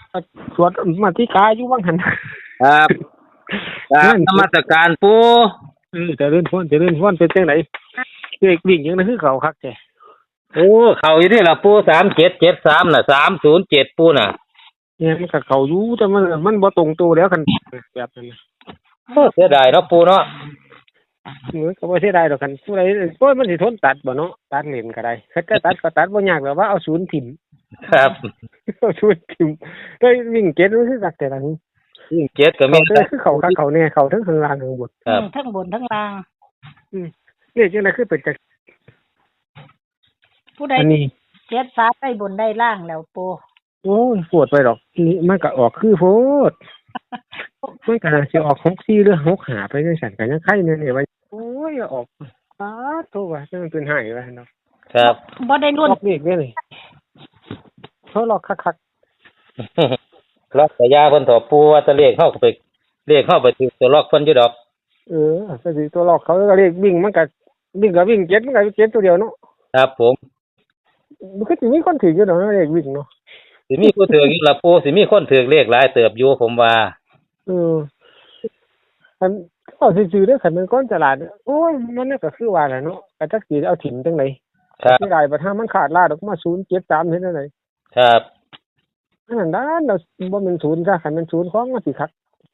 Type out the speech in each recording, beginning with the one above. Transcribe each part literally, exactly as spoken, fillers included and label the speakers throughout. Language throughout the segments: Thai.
Speaker 1: สวดมาที่กายอยู่ว่างหัน
Speaker 2: ครับครับนมัสการปู
Speaker 1: เออจะเลื่อนฟ้อนจะเลื่อนฟ้อนเป็นจังไหนเด็กวิ่งยังนั่นคือเขาคักแก
Speaker 2: โอ้เขาอยู่นี่ล่ะปูสามเจ็ดเจ็ดสามน่ะสามศูนย์เจ็ดปูน่ะ
Speaker 1: เนี่ยมันกับเขาอยู่แต่มันมันบ่ตรงตัวแล้วกันแบบนั้น
Speaker 2: โอ้เสียดายเนาะปูเนาะ
Speaker 1: เออก็บ่เสียดายดอกกันผู้ใดโอ้ยมันสิทนตัดบ่เนาะตัดเล่นก็ได้คัดก็ตัดก็ตัดบ่ยากแล้วว่าเอาศูนย์ถิ่ม
Speaker 2: ครับ
Speaker 1: เอาศูนย์ถิ่มได้วิ่งเก็ตมันคือสักแต่ละนี้
Speaker 2: วิ่งเจ็ดก็มี
Speaker 1: คือเขาคักเขาแน่เขาทั้งข้างล่างข้างบน
Speaker 2: ครับ
Speaker 3: ทั้งบนทั้งล่าง
Speaker 1: อืมนี่จังได๋คือเป็นจัง
Speaker 3: ผู้ใดเจ็ดสามได้บนได้ล่างแล้วปู
Speaker 1: โอ้ยปวดไปดอกนี่มันก็ออกคือโพดมันก็สิออกหกสี่หรือหกห้าไปจังซั่นก็ยังไข่แน่ๆว่าโอ้ยออกป๊าดโตว่าจังมันเป็นหายว่าเนาะ
Speaker 2: ครับ
Speaker 3: บ่ได้รุ่น
Speaker 1: ล็อกนี่เด้นี่เขาล็อกคัก
Speaker 2: ๆล็อกสายาเพิ่นถอปูว่าจะเลขเข้าไปเลขเข้าไปถึงตัวล็อกเพิ่นอยู่ดอก
Speaker 1: เออก็สิตัวล็อกเขาก็เลขวิ่งมันก็วิ่งก็วิ่งเจ็ดมันก็เจ็ดตัวเดียวเนาะ
Speaker 2: ครับผม
Speaker 1: มันก็สิมีคนถืออยู่ดอกเลขวิ่งเนาะ
Speaker 2: สิมีผู้ถืออยู่ล่ะปูสิมีคนถือเลขหลายเติบอยู่ผมว่า
Speaker 1: เอออันก็ซื่อๆเด้อคันมันก้อนตลาดโอ้ยมันก็คือว่าแหละเนาะก็จักสิเอาถิ่มจังได๋
Speaker 2: ครับ
Speaker 1: สิได้บ่ถ้ามันขาดลาดออกมาศูนย์เจ็ดสามเฮ็ดจังได๋
Speaker 2: ครับ
Speaker 1: อันนั้นด้านเราบ่แม่นศูนย์ซะคันมันศูนย์ของมันสิคัก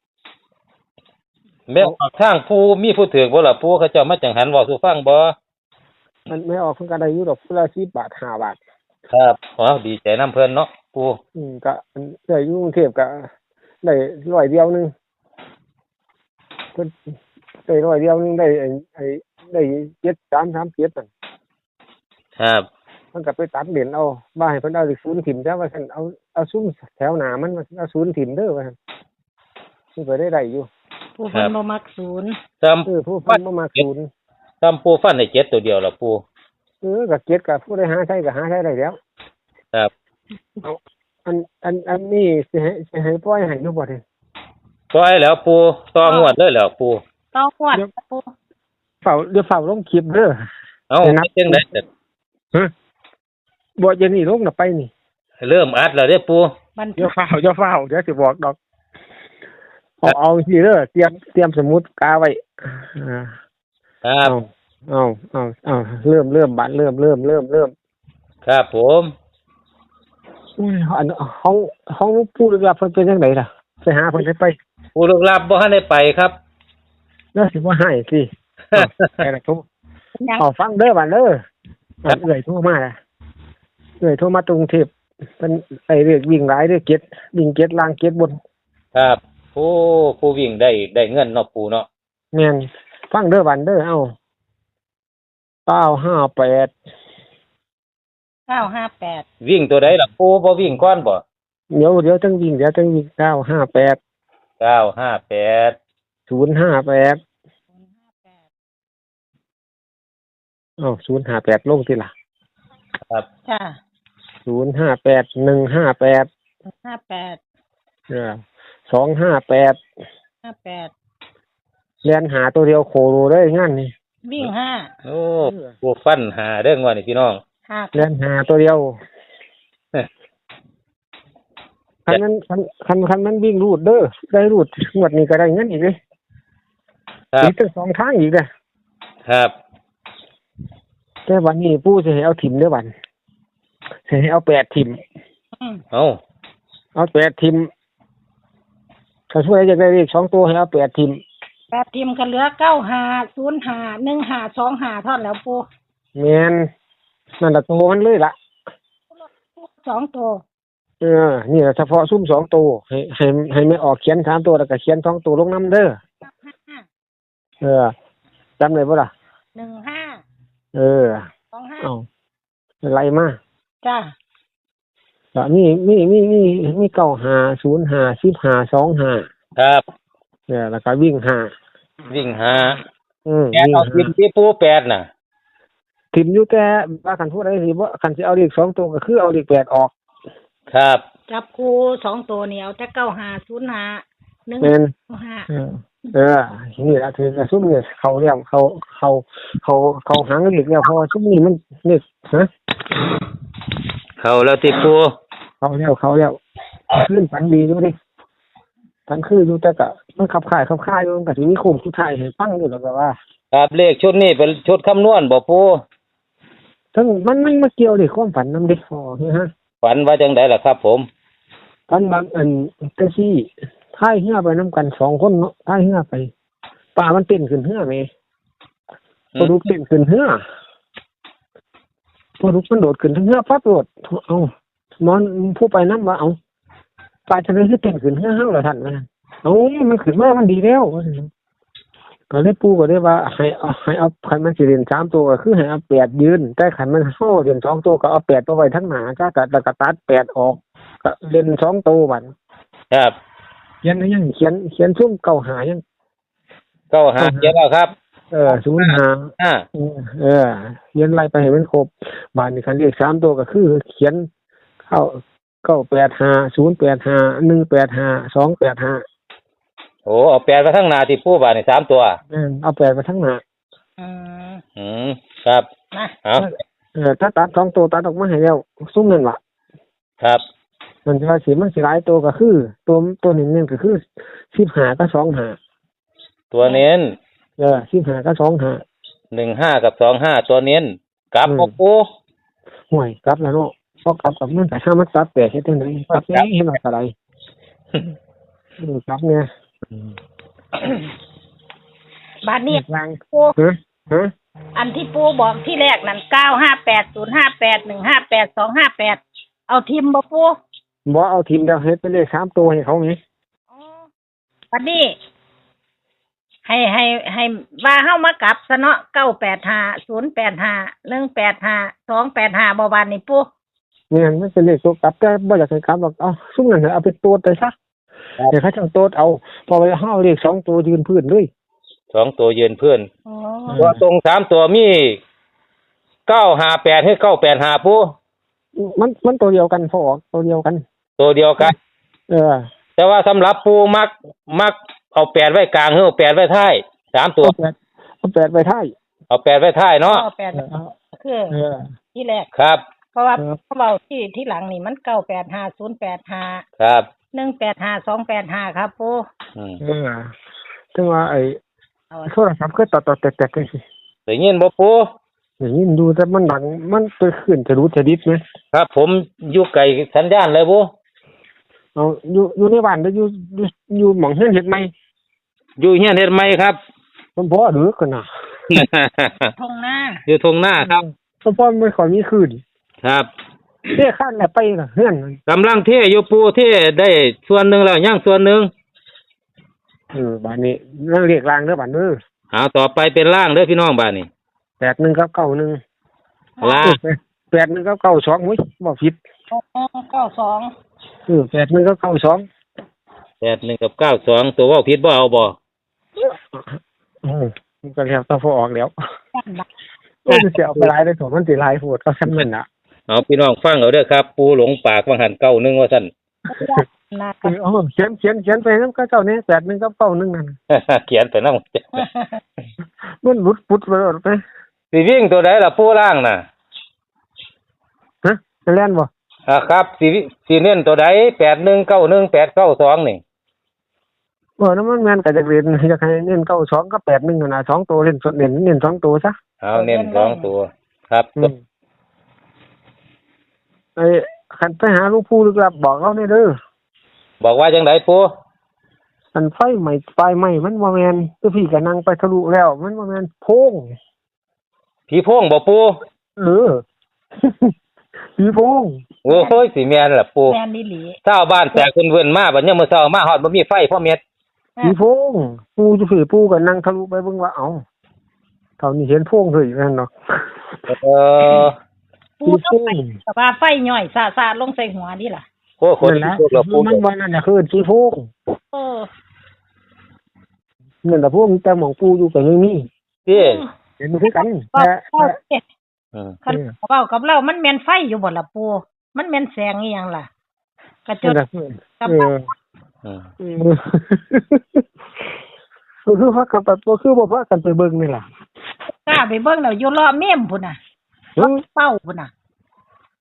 Speaker 2: แม่ทางปูมีผู้ถือบ่ล่ะปูเขาเจ้ามาจังหันเว้าสู่ฟังบ่
Speaker 1: มันไม่ออกเพิ่นก็ได้อยู่ดอกคนละสิบบาทห้าบาท
Speaker 2: ครับอ๋อดีใจนำเพิ่นเนาะปู
Speaker 1: อืมก็ได้อยู่กรุงเทพก็ได้ร้อยเดียวนึงเพิ่นได้ร้อยเดียวนึงได้ไอ้ไอ้ได้เจ็ดสามสามเจ็ดนั่น
Speaker 2: ครับ
Speaker 1: มันก็ไปตัดเหรียญเอาว่าให้เพิ่นเอาศูนย์ถิ่มซะว่าซั่นเอาเอาซุ่มแถวหน้ามันว่าเอาศูนย์ถิ่มเด้อว่าซั่นมันก็ได้ได้อยู่
Speaker 3: ผู้เพิ่นบ่มักศูนย์
Speaker 2: จำ
Speaker 1: เออผู้เพิ่นบ่มักศูนย์
Speaker 2: จำปูฟันได้เจ็ดตัวเดียวล่ะปู
Speaker 1: เออก็เจ็ดก็ผู้ใดหาใช้ก็หาใช้ได้แล้ว
Speaker 2: ครับ
Speaker 1: อันอันอันนี้สิให้สิให้ปล่อยให้อยู่บ่เด้
Speaker 2: ปล่อยแล้วปูต่องวดเลยแล้วปู
Speaker 3: ต่องวดปู
Speaker 1: เฝ้าเดี๋ยวเฝ้าลงคลิปเด้อ
Speaker 2: เอ้าจังได๋
Speaker 1: ฮะบ่จะนี่ลงน่ะไปนี่
Speaker 2: เริ่มอัดแล้วเด้อปู
Speaker 1: เดี๋ยวเฝ้าเดี๋ยวเฝ้าเดี๋ยวสิบอกดอกเอาเอาสิเด้อเตรียมเตรียมสมุดกาไว้อ่า
Speaker 2: ครับ
Speaker 1: เอาเอาเอาเริ่มเริ่มบัดเริ่มเริ่มเริ่มเริ่ม
Speaker 2: ครับผม
Speaker 1: อุ้ยอันห้องห้องผู้ลึกลับเพิ่นเป็นจังได๋ล่ะไปหาเพิ่นได้ไป
Speaker 2: ผู้ลึกลับบ่ทันได้ไปครับ
Speaker 1: แล้วสิบ่ให้สิไปล่ะทุกเอาฟังเด้อบัดเด้อเอ้ยโทรมาล่ะเอ้ยโทรมาตรงเทพเพิ่นไอ้เรียกวิ่งหลายเด้อเก็ดวิ่งเก็ดล่างเก็ดบน
Speaker 2: ครับโอ้ผู้วิ่งได้ได้เงินเนาะปู่เนาะ
Speaker 1: แม่นฟังเด้อบัดเด้อเอ้าเก้าห้าแปด
Speaker 3: เก้าห้าแปด
Speaker 2: วิ่งตัวใดล่ะปู่บ่วิ่งก่อนบ่
Speaker 1: เดี๋ยวเดี๋ยวจังวิ่งเดี๋ยวจังวิ่งเก้าห้าแปด
Speaker 2: เก้าห้าแปด
Speaker 1: ศูนย์ห้าแปดอ้าวศูนย์ห้าแปดลงสิล่ะ
Speaker 2: ครับ
Speaker 3: จ้ะ
Speaker 1: ศูนย์ห้าแปด หนึ่งห้าแปด
Speaker 3: ห้าแปด
Speaker 1: เออสองห้าแปด
Speaker 3: ห้าแปด
Speaker 1: เรียนหาตัวเดียวโคโลเลยงานนี่
Speaker 3: วิ่งห้า
Speaker 2: โอ้ผู้ฟันหาเด้องว่านี่พี่น้อง
Speaker 1: เรียนหาตัวเดียวคันนั้นคันคันคันมันวิ่งรูดเด้อได้รูดงวดนี้ก็ได้เงินอีกเลย
Speaker 2: ครับ
Speaker 1: อีกตั้งสองทางอีกเด้อ
Speaker 2: ครับ
Speaker 1: แต่วันนี้ปู่สิให้เอาถิ่มเด้อบัดสิให้เอาแปดถิ่ม
Speaker 2: เอา
Speaker 1: เอาแปดถิ่มถ้าช่วยอยากได้เลขสองตัวให้เอาแปดถิ่ม
Speaker 3: แปดถิ่มก็เหลือเก้าห้า ศูนย์ห้า หนึ่งห้า สองห้าเท่านั้นแล้วปู่
Speaker 1: แม่นนั่นล่ะตัวมันเลยล่ะ
Speaker 3: สองตัว
Speaker 1: เออนี่เฉพาะซุ่มสองตัวให้ให้ให้ไม่ออกเขียนสามตัวแล้วก็เขียนสองตัวลงนำเด้อเออจำได้บ่ล่ะ
Speaker 3: หนึ่งห้า
Speaker 1: เออ
Speaker 3: สองห้า
Speaker 1: อ้าวไล่มา
Speaker 3: จ้ะ
Speaker 1: ก็มีมีมีมีมีเก้าห้า ศูนย์ห้า สิบห้า สองห้า
Speaker 2: ครับ
Speaker 1: เออแล้วก็วิ่งห้า
Speaker 2: วิ่งห้า
Speaker 1: อืม
Speaker 2: แกเอาทิมที่ปู่แปดน่ะ
Speaker 1: ทิมอยู่แต่ว่าคันพูดได้สิบ่คันสิเอาเลขสองตัวก็คือเอาเลขแปดออก
Speaker 2: ครับ
Speaker 3: จับคู่สองตัวนี่เอาแต่เก้าห้า ศูนย์ห้า หนึ่งห้า
Speaker 1: เออเออนี่ล่ะถือซุ่มนี่เขาเรียกเขาเขาเขาเขาหางเลขแล้วเพราะว่าซุ่มนี่มันเลขฮะ
Speaker 2: เข้าแล้วติปู่
Speaker 1: เขาแล้วเขาแล้วขึ้นฝันดีอยู่ดิฝันคืออยู่แต่ก็มันขับข่ายขับข่ายอยู่มันก็สิมีโค้งสุดท้ายให้ฟังอยู่แล้วก็ว่า
Speaker 2: ครับเลขชุดนี้เป็นชุดคำนวณบ่ปู
Speaker 1: ทั้งมันมันมาเกี่ยวดิความฝันนำดิอ๋อฮะ
Speaker 2: ฝันว่าจังไดล่ะครับผม
Speaker 1: ฝันบางอันจังซี่ท้ายเหือไปนํกันสองคนเนาะท้ายเหือไปป่ามันเต้นขึ้นเหือแม่พอลุกเต้นขึ้นเหือพอลุกมันโดดขึ้นเหือปั๊บโดดเอ้านอนผู้ไปนำว่าเอ้าปลาทะเลคือเต้นขึ้นเหือเฮาล่ะท่านว่าเอ้ามันขึ้นมามันดีแล้วว่าซั่นก็เลยปู่ก็เลยว่าให้เอาให้เอาคันมันสิเล่นสามตัวก็คือให้เอาแปดยืนแต่คันมันเฮาเล่นสองตัวก็เอาแปดตัวไว้ทั้งหน้าจ้าก็แล้วก็ตัดแปดออกก็เล่นสองตัวบัด
Speaker 2: ครับ
Speaker 1: เขียนให้ยังเขียนเขียนซุ่มเก่าหายัง
Speaker 2: เก้าหาเจ็ดแล้วครับ
Speaker 1: เออศูนย์หา
Speaker 2: ห้า
Speaker 1: เออเขียนไล่ไปให้มันครบบาดนี้คันเรียกสามตัวก็คือเขียนเข้าเก้าแปดห้าศูนย์แปดห้าหนึ่งแปดห้าสองแปดห้า
Speaker 2: โอ้เอาแปดไปทั้งหน้าที่ปูบาดนี่สามตัว
Speaker 1: เอาแปดไปทั้งหน้า
Speaker 3: อืม
Speaker 2: อืมครับ
Speaker 3: นะ
Speaker 2: เอา
Speaker 1: เออถ้าตัดสองตัวตัดออกมาให้แล้วซุ่มนั่นล่ะ
Speaker 2: ครับ
Speaker 1: มันจะว่าสิมันสิหลายตัวก็คือ ตัวตัวหนึ่งเนี่ยก็คือสิบห้ากับสองห้า
Speaker 2: ตัวเน้น
Speaker 1: เออสิบห้ากับสองห้า
Speaker 2: หนึ่งห้ากับสองห้าตัวเน้นกลับ
Speaker 1: อืม
Speaker 2: บ่ปู
Speaker 1: ห่วยกลับแล้วเนาะพอกลับกับมันแต่ถ้ามันตัดแปดเฮ็ดจังได๋กลับแเฮ็ดว่าอะไรอือกลับเนี่ย
Speaker 3: บาทนี้
Speaker 1: วาง
Speaker 3: ปู
Speaker 1: ฮะฮะ
Speaker 3: อันที่ปูบอกที่แรกนั่นเก้าห้าแปดศูนย์ห้าแปดหนึ่งห้าแปดสองห้าแปดเอาทิมบ่ปู
Speaker 1: บ่เอาทีมเดียวเฮ็ดไปเลยสามตัวให้เขาไง
Speaker 3: อ๋อบัดนี้ ให้ให้ให้ว่าเฮามากลับซะเนาะเก้าแปดห้าศูนย์แปดห้าหนึ่งแปดห้าสองแปดห้าบ่บานนี่ปู
Speaker 1: เนี่ยมันเป็นเลขตัวกลับแต่บ่อยากให้กลับหรอกเอาซุ่มนั่นน่ะเอาไปตัวไปซะเดี๋ยวเขาจะเอาตัวเอาพอไปเฮาเลขสองตัวยืนพื้นเลย
Speaker 2: สองตัวยืนเพื่อน
Speaker 3: อ๋อ
Speaker 2: ตัวตรงสามตัวมีเก้าห้าแปดให้เก้าแปดห้าปู
Speaker 1: มันมันตัวเดียวกันพอออกตัวเดียวกัน
Speaker 2: ตัวเดียวกัน
Speaker 1: เออ
Speaker 2: แต่ว่าสำหรับปูมักมักเอาแปดไว้กลางหรือเอาแปดไว้ท้ายสามตัว
Speaker 1: เอาแปดเอาแปดไปท้าย
Speaker 2: เอาแปดไว้ท้ายเนาะ
Speaker 3: เก้าแปด
Speaker 1: เออเอา
Speaker 3: คือ
Speaker 1: เออ
Speaker 3: ที่แรก
Speaker 2: ครับ
Speaker 3: เพราะว่า
Speaker 1: ครับ
Speaker 3: เขาเอาที่ที่หลังนี่มันเก้าแปดห้าศูนย์แปดห้า
Speaker 2: ครับ
Speaker 3: หนึ่งแปดห้าสองแปดห้าครับปู
Speaker 2: อืม
Speaker 1: เออถึงว่าไอ้
Speaker 3: เอา
Speaker 1: โทรศัพท์ก็ต่อต่อแตกๆจังซี่
Speaker 2: ได้ยินบ่ปู
Speaker 1: อย่างนี้ดูแต่มันดังมันไปขึ้นจะรู้จะดิบไหม
Speaker 2: ครับ ผมอยู่ไกลสัญญาณเลยปู
Speaker 1: เอาอยู่อยู่ในบ้านแล้วอยู่อยู่อยู่หม่องเฮ็ดเฮ็ดไหม
Speaker 2: อยู่เฮียนเฮ็ดไหมครับ
Speaker 1: มันบ่หรือกันน่ะ
Speaker 3: ทงหน้า
Speaker 2: อยู่ทงหน้าครับ
Speaker 1: เพราะว่ามันขอมีคืน
Speaker 2: ครับ
Speaker 1: เด้ข้านแหละไปล่ะเฮือน
Speaker 2: กำลังเทอยู่ปูเทได้ส่วนหนึ่งแล้วย่างส่วนหนึ่ง
Speaker 1: เออบ้านนี้นั่งเรียกรางเด้อบ้านเด้อ
Speaker 2: เอาต่อไปเป็นล่างเด้อพี่น้องบ้านนี่
Speaker 1: แปดหนึ่งกับเก้าหนึ่ง
Speaker 2: ล่าง
Speaker 1: แปดหนึ่งกับเก้าสองอุ้ยบ่ผิด
Speaker 3: เก้าสอง
Speaker 1: เออแปดหนึ่งกับเก้าสอง
Speaker 2: แปดหนึ่งกับเก้าสองตัวเว่าผิดบ่เอาบ่
Speaker 1: เออมันก็แล้วต้องพอออกแล้ว
Speaker 3: ตั้งบัก
Speaker 1: เออสิเอาไปหลายได้ถมมันสิหลายโพดก็ซั่นนั่นน่ะ
Speaker 2: เอาพี่น้องฟังเอาเด้อครับ ปูหลงปากว่าหันเก้าหนึ่งว่าซั่น
Speaker 3: นะ
Speaker 1: เออเอาเขียนเขียนเขียนไปนำกับเจ้านี่แปดหนึ่งกับเก้าหนึ่งนั่น
Speaker 2: เขียนไปนำ
Speaker 1: มันหลุดปุดไปแล้วไป
Speaker 2: สิวิ่งตัวใดล่ะปูล่างน่ะ
Speaker 1: ฮะจะเล่นบ่
Speaker 2: อ่าครับสิวิสิเน้นตัวใดแปดหนึ่งเก้าหนึ่งแปดเก้าสองนี่
Speaker 1: เออนั้นมันแม่นก็จะเรียนอยากให้เน้นเก้าสองกับแปดหนึ่งนั่นน่ะสองตัวเล่นสดเน้นเน้นสองตัวซะ
Speaker 2: เอาเน้นสองตัว ครับ
Speaker 1: อืมไอ้คันไปหาหลูกผู้ลึกลับบอกเขาเนี่ยเด้อ
Speaker 2: บอกว่าจังไดปู
Speaker 1: อันไฟใหม่ไฟใหม่มันบ่แม่นคือพี่ก็นั่งไปทะลุแล้ว มันบ่แม่นโพง
Speaker 2: ผีโพงบ่ปู
Speaker 1: เออ ผีโพง
Speaker 2: โอ้ยสิแม่นล่ะปู
Speaker 3: แมนนี่หลี
Speaker 2: ชาวบ้านแตกเพิ่นๆมาบัดยามมื้อเช้ามาฮอดบ่มีไฟพ่อเม็ด
Speaker 1: ผีโพงปูจะผีปูก็นั่งทะลุไปเบิ่งว่าเอ้าเท่านี้เห็นโพงเฮ้ยนั่นเนาะ
Speaker 2: เออ
Speaker 3: ปูต้องไปแต่ว่าไฟย่อยซาซาลงใส่หัวนี่ล่ะ
Speaker 2: โอ้คน
Speaker 1: นั่นแหละ
Speaker 2: พวกเราปู
Speaker 1: มันบ่นั่นน่ะคือผีโพง
Speaker 3: เออ
Speaker 1: นั่นล่ะพวกแต่หม่องปูอยู่ก็ยังมี
Speaker 2: ที่
Speaker 1: เห็นคือกัน
Speaker 3: เว้า
Speaker 1: แต่
Speaker 3: เว้าเอ๊ะ
Speaker 2: อืม
Speaker 3: คันเว้ากับเรามันแม่นไฟอยู่บ่ล่ะปูมันแม่นแสงอีหยังล่ะกระจ
Speaker 1: นั่
Speaker 3: ด
Speaker 1: นล่ะเออ
Speaker 2: อืม
Speaker 1: เออก็คือว่ากันไปก็คือบ่ว่ากันไปเบิ่งนี่ล่ะ
Speaker 3: กล้าไปเบิ่งแล้วอยู่รอเมมพุ่นน่ะ
Speaker 1: เออ
Speaker 3: เป้าพุ่นน่ะ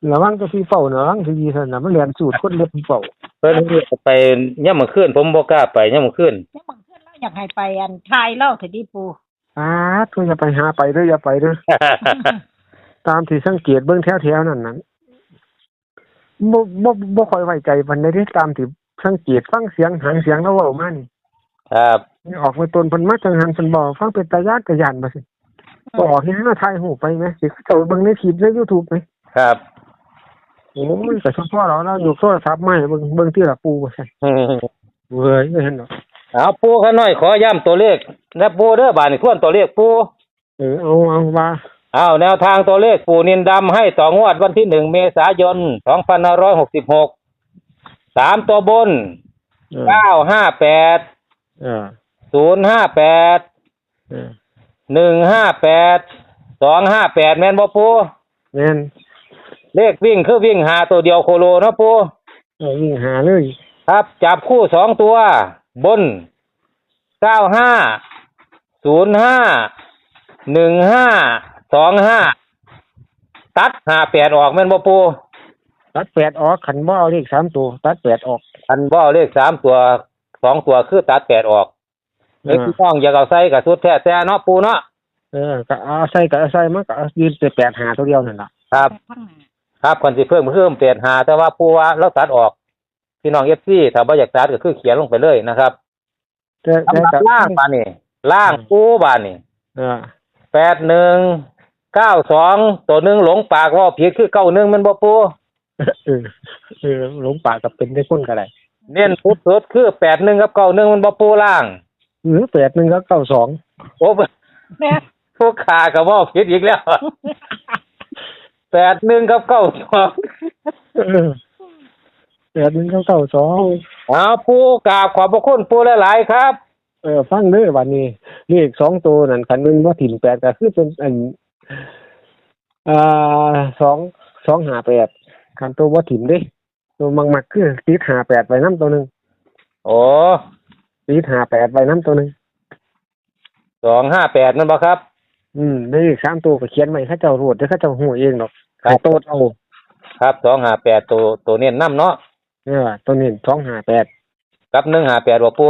Speaker 1: ระวังตัวพี่เฝ้านะระวังที่ดีเท่านั้นมันเรียนสูตรคนเล็บพี่เฝ้า
Speaker 2: เพิ่นไปย่ำมื้อคืนผมบ่กล้าไปย่ำมื้อคืน
Speaker 3: แล้วบางเทื่อเราอยากให้ไปอันทายเล่าเถิดดิปู
Speaker 1: อ้าตัวอย่าไปหาไปเด้ออย่าไปเด้อ ตามที่สังเกตเบิ่งแถวๆนั่นนั้นบ่บ่บ่ค่อยไว้ใจปานใดเด้ตามที่สังเกตฟังเสียงหางเสียงแล้วเว้ามานี่
Speaker 2: ครับ
Speaker 1: ออกมาตนเพิ่นมาจังหันเพิ่นบอกฟังเป็นตาญาติตาย่านบ่สิบ่ออกเฮ็ดให้ถ่ายรูปไปแหมสิเจ้าเบิ่งในคลิปใน YouTube ไหม
Speaker 2: ครับ
Speaker 1: โอ้ยก็เฉพาะเราเรายกโทรศัพท์มาให้เบิ่งเบิ่งที่ละปูว่าซั่นเว้ยเห็นดอก
Speaker 2: เอาปูข้าน้อยขอย้ำตัวเลขนะปูเด้อบาดนี้ทวนตัวเลขปู
Speaker 1: เออเอาเอาว่า
Speaker 2: เอาแนวทางตัวเลขปูนินดำให้ต่องวดวันที่หนึ่งเมษายนสองพันห้าร้อยหกสิบหกสามตัวบน
Speaker 1: เออ
Speaker 2: เก้าห้าแปด
Speaker 1: เออ
Speaker 2: ศูนย์ห้าแปด
Speaker 1: เออ
Speaker 2: หนึ่งห้าแปดสองห้าแปดแม่นบ่ปู
Speaker 1: แม่น
Speaker 2: เลขวิ่งคือวิ่งหาตัวเดียวโคโลเนาะปู
Speaker 1: เออวิ่งหาเลย
Speaker 2: ครับจับคู่สองตัว บนเก้าห้าศูนย์ห้าหนึ่งห้าสองห้าตัดห้าแปดออกแม่นบ่ปู
Speaker 1: ตัดแปดออกขันบ่เอาเลขสามตัวตัดแปดออก
Speaker 2: อันบ่เอาเลขสามตัวสองตัวคือตัดแปดออก
Speaker 1: เอ
Speaker 2: เล็ก
Speaker 1: อ
Speaker 2: พี่น้องอยากเอาใส่กับสุดแท้แต่เนาะปูเนาะ
Speaker 1: เออก็เอาใส่ก็เอาใส่มันก็เอายืนแต่แปดหาตัวเดียวนั่นล่ะ
Speaker 2: ครับ
Speaker 3: ข้างหน้า
Speaker 2: ครับคนสิเพิ่มเพิ่มเปลี่ยนหาแต่ว่าปูว่าเราตัดออก พี่น้อง เอฟ ซี ถ้าบ่อยากตัดก็คือเขียนลงไปเลยนะครับ
Speaker 1: แต่แต่
Speaker 2: สำหรับ
Speaker 1: ก็
Speaker 2: ล่างบานนี่ล่างปูบานนี่
Speaker 1: เออ
Speaker 2: แปดหนึ่งเก้าสองตัวหนึ่งหลงปากว่าผิดคือเก้าหนึ่งมันบ่ปู
Speaker 1: เออเออหลงป่ากับเป็นได้คนก็ได้
Speaker 2: เน้นพุดสุดคือแปดหนึ่งกับเก้าหนึ่งมันบ่ปูล่าง
Speaker 1: หรือแปดหนึ่งก็เก้าสอง
Speaker 2: โอ้
Speaker 3: แม่
Speaker 2: ผู้ขากับว่าผิดอีกแล้ว แปดหนึ่งกับเก้าสอง
Speaker 1: เออแปดหนึ่งก็เก้าสอง
Speaker 2: เอาปูกราบขอบพระคุณปูหลายๆครับ
Speaker 1: เออฟังเด้อวันนี้เลขสองตัวนั่นคันหนึงว่าถิ่นแปดก็คือเป็นอันอ่าสองสองหาแปดคันตัวว่าถิ่นเด้ตัวมักมักๆคือติดหาแปดไปน้ำตัวหนึ่ง
Speaker 2: โอ้
Speaker 1: ติดหาแปดไปน้ำตัวหนึ่ง
Speaker 2: สองห้าแปดนั่นบ่ครับ
Speaker 1: อืมได้เลขสามตัวก็เขียนไว้เข้าเจ้าโรดเดี๋ยวเข้าเจ้าหูเองหรอก
Speaker 2: ครับ
Speaker 1: ให้โตดเอา
Speaker 2: ครับสองห้าแปดตัวตัวเน้นน้ำเนาะ
Speaker 1: เออตัวนี้สองหาแปด
Speaker 2: กับหนึ่งห้าแปดบ่ปู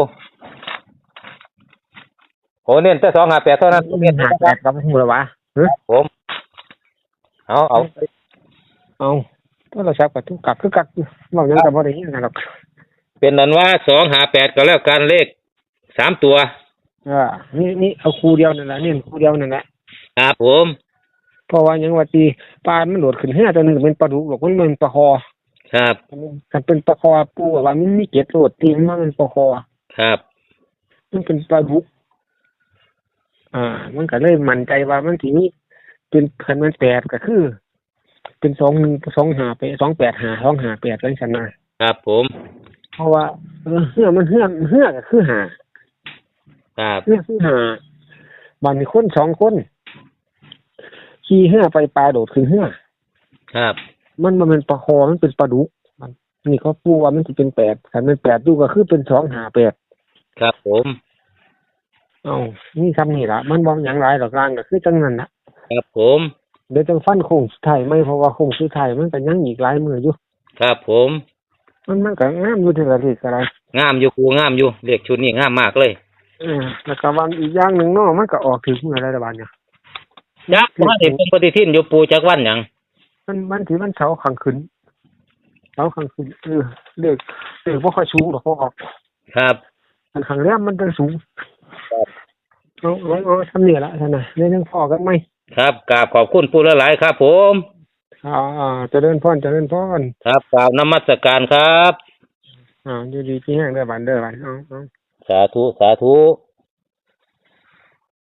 Speaker 2: โอ้เน้นแต่สองห้าแปดเท่านั้น
Speaker 1: เงินหาแปดกับหูละวะเฮ้ย
Speaker 2: ผมเอาเอา
Speaker 1: เอาโทรศัพท์กับทุกกักคือกักอยู่เรายังกับบ่ได้ยินกันหรอก
Speaker 2: เป็นนั้นว่าสองห้าแปดก็แล้วกันเลขสามตัว
Speaker 1: เออนี่นี่เอาคู่เดียวนั่นแหละนี่คู่เดียวนั่นแหละ
Speaker 2: ครับผม
Speaker 1: เพราะว่ายังว่าตีปลามันโหลดขึ้นเฮือตัวหนึงเป็นปลาดุกหรอกมันเป็นปลาคอ
Speaker 2: ครับ
Speaker 1: ถ้าเป็นปลาคอปูว่ามันมีเกล็ดโหลดตีมันเป็นปลาคอ
Speaker 2: ครับ
Speaker 1: มันเป็นปลาดุกอ่า มันก็เลยมั่นใจว่ามันสิมีเป็นคันมันแปดก็คือ เป็นสองหนึ่งสองห้าไปสองแปดห้าสองห้าแปดจังซั่นนะครับ
Speaker 2: ผม
Speaker 1: เพราะว่าเออเฮือมันเฮือเฮือก็คือห้า
Speaker 2: ครับ
Speaker 1: เฮือคือห้าบัดนี้คนสองคนขี่เฮือไปปลาโดดขึ้นเฮือ
Speaker 2: ครับ
Speaker 1: มันบ่แมันเป็นปลาคอมันเป็นปลาดุกมันนี่เขาปูว่ามันสิเป็นแปดคันมันแปดดูก็คือเป็นสองห้าแปด
Speaker 2: ครับผม
Speaker 1: เอ้านี่คำนี่ล่ะมันบ่หยังหลายดอกลางก็คือจังนั้นน่ะ
Speaker 2: ครับผม
Speaker 1: เดี๋ยวจังฟันโค้งสุดท้ายไหมเพราะว่าโค้งสุดท้ายมันก็ยังอีกหลายมื้ออยู่
Speaker 2: ครับผม
Speaker 1: มันมันก็งามอยู่ที่ละทีก็ได้
Speaker 2: งามอยู่ปูงามอยู่เลขชุดนี้งามมากเลย
Speaker 1: เออแล้วก็วันอีกอย่างหนึงเนาะมันก็ออกถึงมื้ออะไรละบาดเนี่ย
Speaker 2: จักว่าเห็นเป็นปฏิทินอยู่ปูจักวันหยัง
Speaker 1: มันมันสิมันเสาร์ข้างขึ้นเสาร์ข้างขึ้นเออเลขเลขบ่ค่อยสูงหรอกพอออก
Speaker 2: ครับ
Speaker 1: อันข้างแรมมันจะสูงเอาเอาเอาทำนี่ละท่านน่ะเรื่องยังพอกันไหม
Speaker 2: ครับกราบขอบคุณปูหลายๆครับผม
Speaker 1: อ่าอ่าเจริญพรเจริญพร
Speaker 2: ครับกราบนมัสการครับ
Speaker 1: อ่าอยู่ดีที่แห้งเด้อบันเด้อบันเอาเอา
Speaker 2: สาธุสาธุ